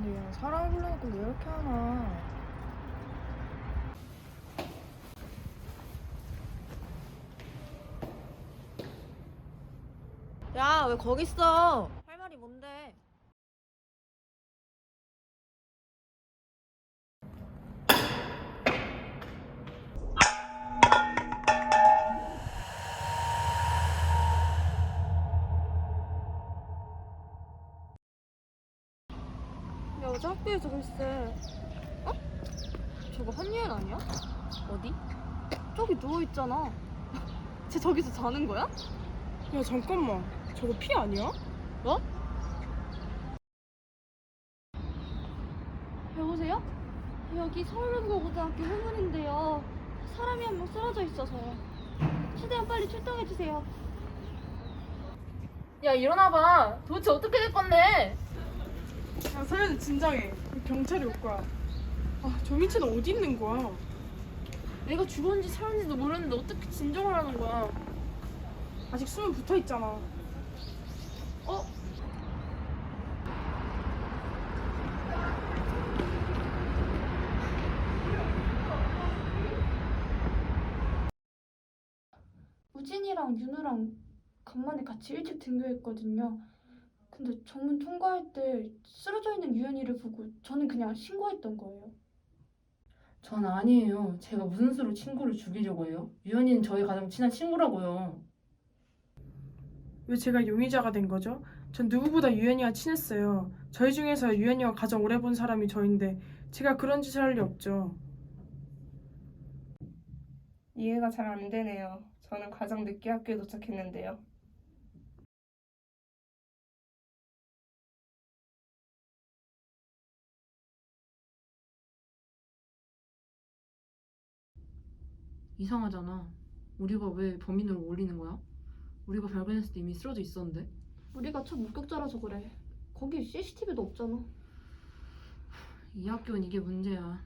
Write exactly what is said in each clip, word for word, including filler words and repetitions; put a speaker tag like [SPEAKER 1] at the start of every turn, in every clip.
[SPEAKER 1] 근데 얘 사람 불러놓고 왜 이렇게 하나? 야, 왜 거기 있어? 할 말이 뭔데? 야, 어제 학교에서 글쎄. 어? 저거 한유연 아니야? 어디? 저기 누워있잖아. 쟤 저기서 자는 거야?
[SPEAKER 2] 야 잠깐만, 저거 피 아니야?
[SPEAKER 1] 뭐? 여보세요? 여기 서울고등학교 후문인데요. 사람이 한 명 쓰러져 있어서요. 최대한 빨리 출동해주세요.
[SPEAKER 3] 야 일어나봐. 도대체 어떻게 될 건데?
[SPEAKER 2] 야 서현이 진정해. 경찰이 올 거야. 아, 저 민채는 어디 있는 거야?
[SPEAKER 3] 내가 죽었는지 살았는지도 모르는데 어떻게 진정을 하는 거야?
[SPEAKER 2] 아직 숨은 붙어 있잖아.
[SPEAKER 3] 어?
[SPEAKER 4] 우진이랑 윤우랑 간만에 같이 일찍 등교했거든요. 근데 정문 통과할 때 쓰러져 있는 유연이를 보고 저는 그냥 신고했던 거예요.
[SPEAKER 5] 전 아니에요. 제가 무슨 수로 친구를 죽이려고 해요? 유연이는 저희 가장 친한 친구라고요.
[SPEAKER 2] 왜 제가 용의자가 된 거죠? 전 누구보다 유연이와 친했어요. 저희 중에서 유연이와 가장 오래 본 사람이 저인데 제가 그런 짓을 할 리 없죠.
[SPEAKER 6] 이해가 잘 안 되네요. 저는 가장 늦게 학교에 도착했는데요.
[SPEAKER 5] 이상하잖아. 우리가 왜 범인으로 올리는 거야? 우리가 발견했을 때 이미 쓰러져 있었는데?
[SPEAKER 4] 우리가 첫 목격자라서 그래. 거기 씨씨티비도 없잖아.
[SPEAKER 5] 이 학교는 이게 문제야.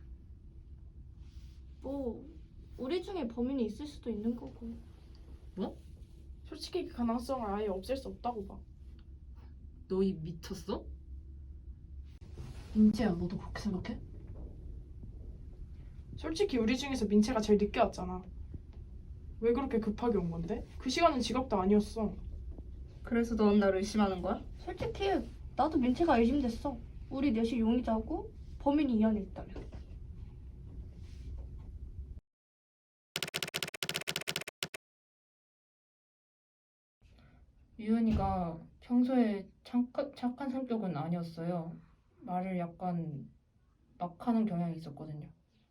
[SPEAKER 4] 뭐 우리 중에 범인이 있을 수도 있는 거고.
[SPEAKER 5] 뭐?
[SPEAKER 2] 솔직히 그 가능성을 아예 없앨 수 없다고 봐.
[SPEAKER 5] 너희 미쳤어? 민지야, 너도 그렇게 생각해?
[SPEAKER 2] 솔직히 우리 중에서 민채가 제일 늦게 왔잖아. 왜 그렇게 급하게 온 건데? 그 시간은 지각도 아니었어.
[SPEAKER 6] 그래서 넌 나를 의심하는 거야?
[SPEAKER 4] 솔직히 나도 민채가 의심됐어. 우리 넷이 용의자고 범인이 이현이 있다면.
[SPEAKER 5] 유연이가 평소에 착한, 착한 성격은 아니었어요. 말을 약간 막 하는 경향이 있었거든요.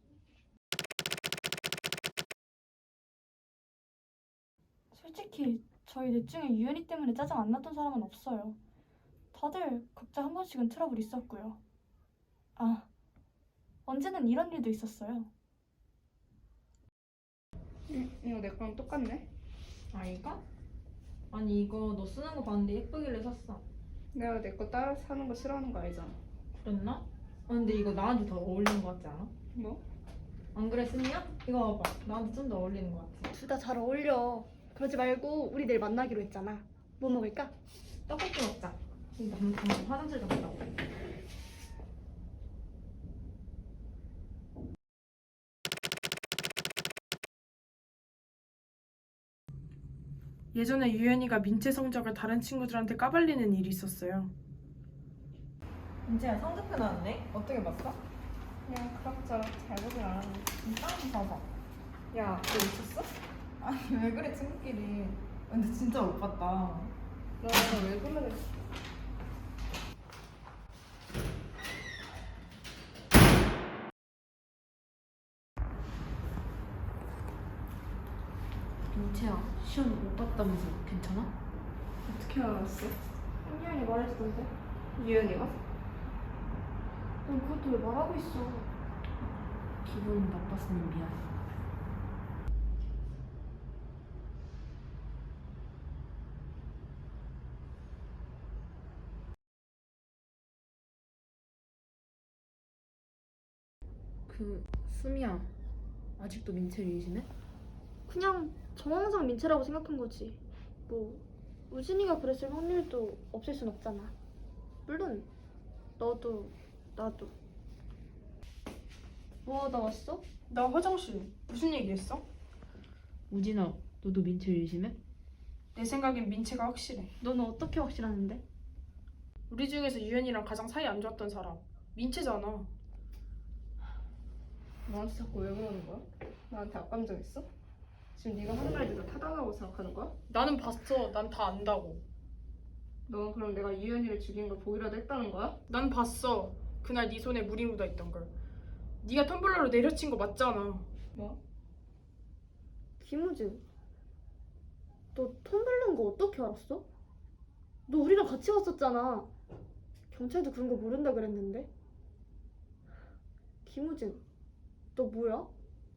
[SPEAKER 4] 솔직히 저희 넷 중에 유연이 때문에 짜증 안 났던 사람은 없어요. 다들 각자 한 번씩은 트러블 있었고요. 아, 언제는 이런 일도 있었어요.
[SPEAKER 6] 응, 이거 내 거랑 똑같네.
[SPEAKER 1] 아, 이거? 아니, 이거 너 쓰는 거 봤는데 예쁘길래 샀어.
[SPEAKER 6] 내가 내 거 따라 사는 거 싫어하는 거 알잖아.
[SPEAKER 1] 그랬나? 아, 근데 이거 나한테 더 어울리는 거 같지 않아?
[SPEAKER 6] 뭐?
[SPEAKER 1] 안 그래, 승희야? 이거 봐봐. 나한테 좀 더 어울리는 거 같아.
[SPEAKER 4] 둘 다 잘 어울려. 그러지 말고 우리 내일 만나기로 했잖아. 뭐 먹을까?
[SPEAKER 1] 떡볶이 먹자. 지금 나 방금 화장실 갔다 오고.
[SPEAKER 2] 예전에 유연이가 민채 성적을 다른 친구들한테 까발리는 일이 있었어요.
[SPEAKER 1] 민지야, 성적표 나왔네? 어떻게 봤어?
[SPEAKER 6] 그냥 그럭저럭 잘 보진 않았는데.
[SPEAKER 1] 일단 봐봐.
[SPEAKER 6] 야, 너 미쳤어?
[SPEAKER 1] 아니, 왜 그래, 친구끼리. 근데 진짜 못 봤다.
[SPEAKER 6] 너왜 그래?
[SPEAKER 5] 민채야, 시험 못 봤다면서 괜찮아?
[SPEAKER 6] 어떻게 알았어?
[SPEAKER 4] 한유연이 말해주던데.
[SPEAKER 6] 유연이가?
[SPEAKER 4] 넌 그것도 왜 말하고 있어?
[SPEAKER 5] 기분 나빴으면 미안해. 그 수미야, 아직도 민채를 의심해?
[SPEAKER 4] 그냥 정황상 민채라고 생각한 거지. 뭐 우진이가 그랬을 확률도 없을 순 없잖아. 물론 너도
[SPEAKER 1] 나도. 뭐 하다 왔어?
[SPEAKER 2] 나 화장실. 무슨 얘기했어?
[SPEAKER 3] 우진아, 너도 민채 의심해?
[SPEAKER 2] 내 생각엔 민채가 확실해.
[SPEAKER 1] 너는 어떻게 확실하는데?
[SPEAKER 2] 우리 중에서 유연이랑 가장 사이 안 좋았던 사람 민채잖아.
[SPEAKER 6] 너한테 자꾸 왜 그러는 거야? 나한테 악감정 있어? 지금 네가 하는 말들 다 타당하고 생각하는 거야?
[SPEAKER 2] 나는 봤어. 난 다 안다고.
[SPEAKER 6] 넌 그럼 내가 유연이를 죽인 걸 보기라도 했다는 거야?
[SPEAKER 2] 난 봤어. 그날 네 손에 물이 묻어 있던 걸. 네가 텀블러로 내려친 거 맞잖아.
[SPEAKER 6] 뭐?
[SPEAKER 1] 김우진, 너 텀블러인 거 어떻게 알았어? 너 우리랑 같이 왔었잖아. 경찰도 그런 거 모른다 그랬는데. 김우진, 너 뭐야?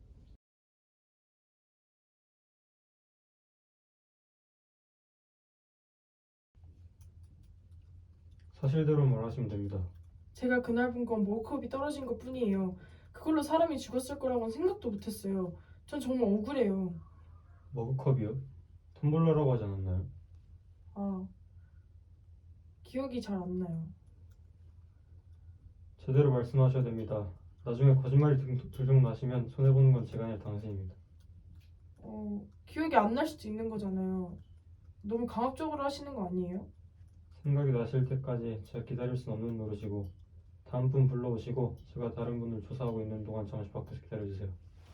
[SPEAKER 7] 사실대로 말하시면 됩니다.
[SPEAKER 2] 제가 그날 본 건 머그컵이 떨어진 것 뿐이에요. 그걸로 사람이 죽었을 거라고는 생각도 못했어요. 전 정말 억울해요.
[SPEAKER 7] 머그컵이요? 텀블러라고 하지 않았나요?
[SPEAKER 2] 아, 기억이 잘 안 나요.
[SPEAKER 7] 제대로 말씀하셔야 됩니다. 나중에 거짓말이 들- 들통나시면 손해보는 건 제가 아니라 당신입니다.
[SPEAKER 2] 어, 기억이 안 날 수도 있는 거잖아요. 너무 강압적으로 하시는 거 아니에요?
[SPEAKER 7] 생각이 나실 때까지 제가 기다릴 순 없는 노릇이고 다음 분 불러오시고 제가 다른 분을 조사하고 있는 동안 잠시 밖에서 기다려주세요.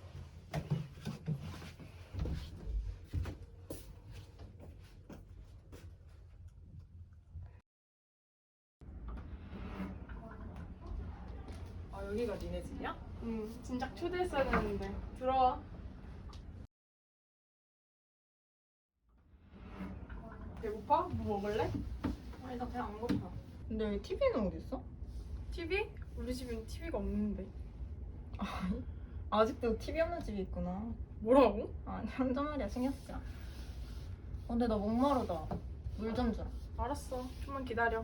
[SPEAKER 2] 아, 여기가 니네 집이야? 응, 진작 초대했어야 되는데. 들어와. 배고파? 뭐 먹을래?
[SPEAKER 5] 아니 나 그냥 안 고파.
[SPEAKER 6] 근데 여기 티비는 어디 있어?
[SPEAKER 2] 티비? 우리 집엔 티비가 없는데.
[SPEAKER 8] 아직도 티비 없는 집이 있구나.
[SPEAKER 2] 뭐라고?
[SPEAKER 8] 아니 한잔 말이야 신경 쓰지 마. 어, 근데 나 목마르다. 물 좀 주라.
[SPEAKER 2] 알았어. 좀만 기다려.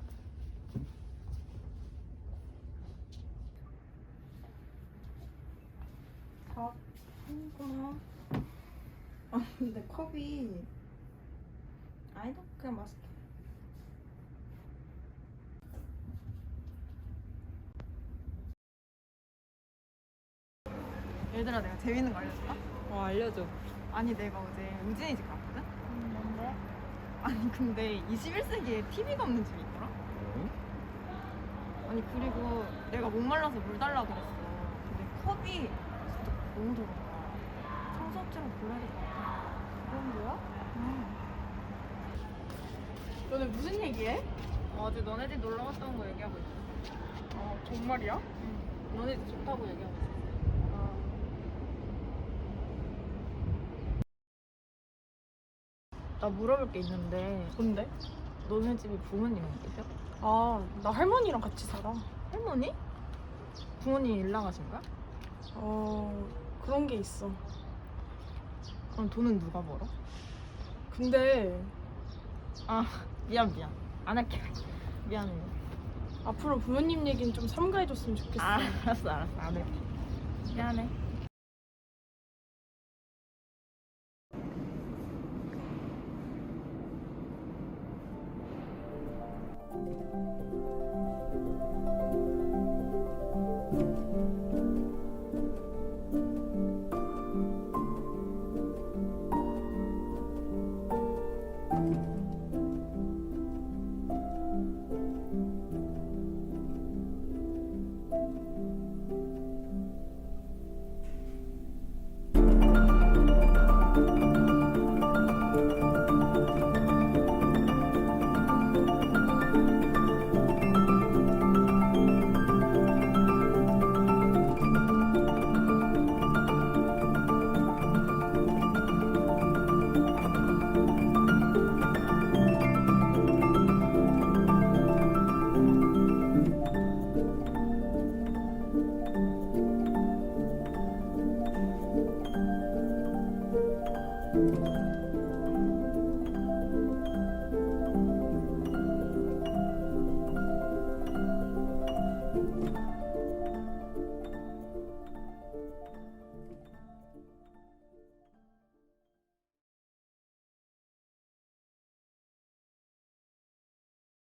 [SPEAKER 8] 고마워. 아 근데 컵이 아니다 그냥 마실게. 얘들아 내가 재밌는 거 알려줄까?
[SPEAKER 9] 어, 알려줘.
[SPEAKER 8] 아니 내가 어제 우진이 집 갔거든? 뭔데? 아니 근데 이십일 세기에 티비가 없는 집이 있더라? 아니 그리고 내가 목말라서 물 달라고 그랬어. 근데 컵이 진짜 너무 더러운 거야. 청소업체랑 불러야 될 것 같아. 그런 거야? 응.
[SPEAKER 2] 너네 무슨 얘기해?
[SPEAKER 8] 어제 너네 집 놀러 갔다 온 거 얘기하고 있어.
[SPEAKER 2] 어, 정말이야?
[SPEAKER 8] 너네 집 좋다고 얘기하고 있어. 나 물어볼 게 있는데
[SPEAKER 2] 뭔데?
[SPEAKER 8] 너네 집에 부모님은 계셔?
[SPEAKER 2] 아, 나 할머니랑 같이 살아.
[SPEAKER 8] 할머니? 부모님 일 나가신 거야?
[SPEAKER 2] 어, 그런 게 있어.
[SPEAKER 8] 그럼 돈은 누가 벌어?
[SPEAKER 2] 근데
[SPEAKER 8] 아 미안 미안 안 할게. 미안해.
[SPEAKER 2] 앞으로 부모님 얘기는 좀 삼가해줬으면 좋겠어.
[SPEAKER 8] 아 알았어 알았어 안 할게. 미안해.
[SPEAKER 7] 음.